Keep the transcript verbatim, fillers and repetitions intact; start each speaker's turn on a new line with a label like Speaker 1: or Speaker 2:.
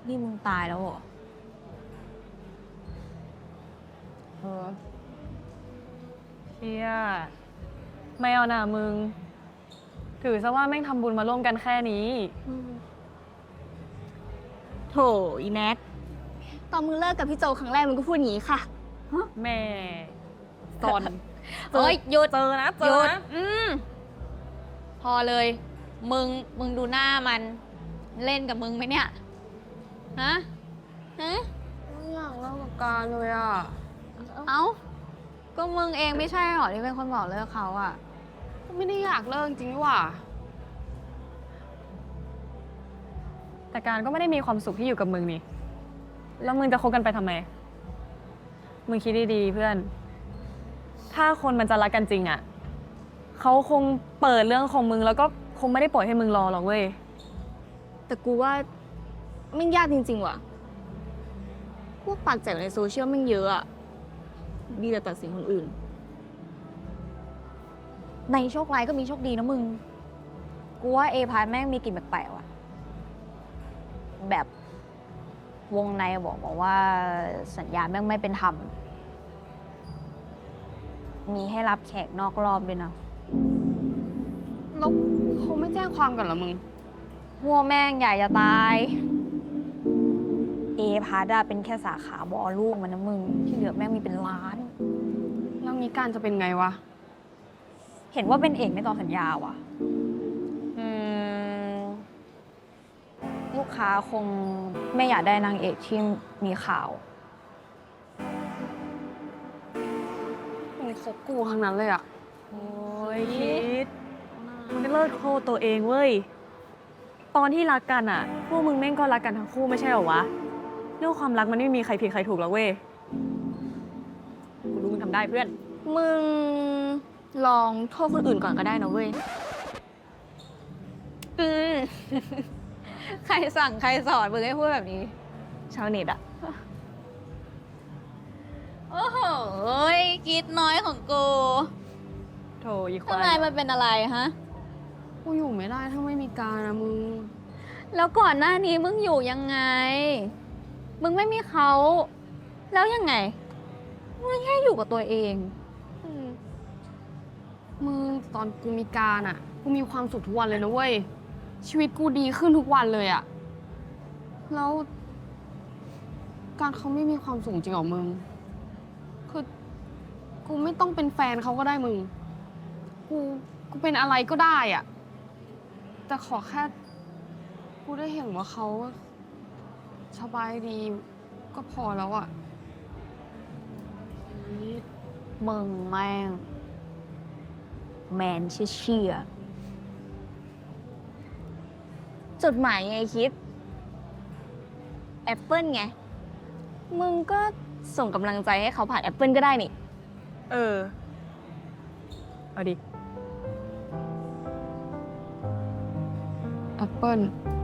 Speaker 1: นี่มึงตายแล้วเหรอ
Speaker 2: เออเชี่ยไม่เอาหน่ามึง ถือซะว่าแม่งทำบุญมาร่วมกันแค่นี้
Speaker 1: โถอีแน็กตอนมึงเลิกกับพี่โจครั้งแรกมึงก็พูดอย่างนี้ค่ะ
Speaker 2: แม่ซอน
Speaker 1: เอ้ยหยุด
Speaker 2: เจอนะ เจ
Speaker 1: หยุ
Speaker 2: อ
Speaker 1: ด
Speaker 2: นะ
Speaker 1: อืมพอเลย มึง มึงดูหน้ามัน เล่นกับมึงไหมเนี่ย ฮะ ฮะ
Speaker 2: ไม่อยากเลิกกับการเลยอ่ะ
Speaker 1: เอ้า ก็มึงเองไม่ใช่หรอที่เป็นคนบอกเลิกเขาอะ
Speaker 2: ไม่ได้อยากเลิกจริงๆว่ะ แต่การก็ไม่ได้มีความสุขที่อยู่กับมึงนี่ แล้วมึงจะคบกันไปทำไม มึงคิดดีๆเพื่อน ถ้าคนมันจะรักกันจริงอ่ะ เขาคงเปิดเรื่องของมึงแล้วก็คงไม่ได้ปล่อยให้มึงรอหรอกเว้ย
Speaker 1: แต่กูว่าไม่งยากจริงๆว่ะ พวกปากแจ๋วในโซเชียลแม่งเยอะอะดีแต่ตัดสินคนอื่น ในโชคร้ายก็มีโชคดีนะมึง กูว่าเอพาร์แม่งมีกลิ่นแปลกๆว่ะ แบบวงในบอกมาว่าสัญญาแม่งไม่เป็นธรรม มีให้รับแขกนอกรอบด้วยนะ
Speaker 2: แล้วเขาไม่แจ้งความกันเหรอมึง
Speaker 1: หัวแม่งใหญ่จะตาย เอพาร์ดาเป็นแค่สาขาบอลูกมันนะมึง ที่เหลือแม่งมีเป็นล้าน
Speaker 2: แล้วงี้การจะเป็นไงวะ
Speaker 1: เห็นว่าเป็นเอกไม่ต่อสัญญาว่ะ อืม ลูกค้าคงไม่อยากได้นางเอกที่มีข่าว
Speaker 2: มึงคบกูทั้งนั้นเลยอ่ะ โอ้ยคิดมึงก็เลิกโทษตัวเองเว้ย ตอนที่รักกันอ่ะ พวกมึงแม่งก็รักกันทั้งคู่ไม่ใช่เหรอวะ เรื่องความรักมันไม่มีใครผิดใครถูกหรอกเว้ย กูรู้มึงทำได้เพื่อน
Speaker 1: มึงลองโทษคนอื่นก่อนก็ได้นะเว้ย อืม ใครสั่งใครสอนมึงให้พูดแบบนี้ ชาวเน็ตอะโอ้โหคิดน้อยของกู
Speaker 2: โถอีควา
Speaker 1: ทำไม
Speaker 2: ย
Speaker 1: มันเป็นอะไรฮะ
Speaker 2: กูอยู่ไม่ได้ถ้าไม่มีการนะมึง
Speaker 1: แล้วก่อนหน้านี้มึงอยู่ยังไง มึงไม่มีเขา แล้วยังไง มึงแค่อยู่กับตัวเอง
Speaker 2: มึงตอนกูมีการอ่ะ กูมีความสุขทุกวันเลยนะเว้ย ชีวิตกูดีขึ้นทุกวันเลยอ่ะ แล้ว การเขาไม่มีความสุขจริงเหรอมึง คือ กูไม่ต้องเป็นแฟนเขาก็ได้มึง กู กูเป็นอะไรก็ได้อ่ะ แต่ขอแค่ กูได้เห็นว่าเขาสบายดีก็พอแล้วอ่ะ
Speaker 1: มึงแม่ง แมนเชี่ยจดหมายไงคิด แอปเปิลไง มึงก็ส่งกำลังใจให้เขาผ่านแอปเปิลก็ได้นี่
Speaker 2: เออ เอาดิ แอปเปิล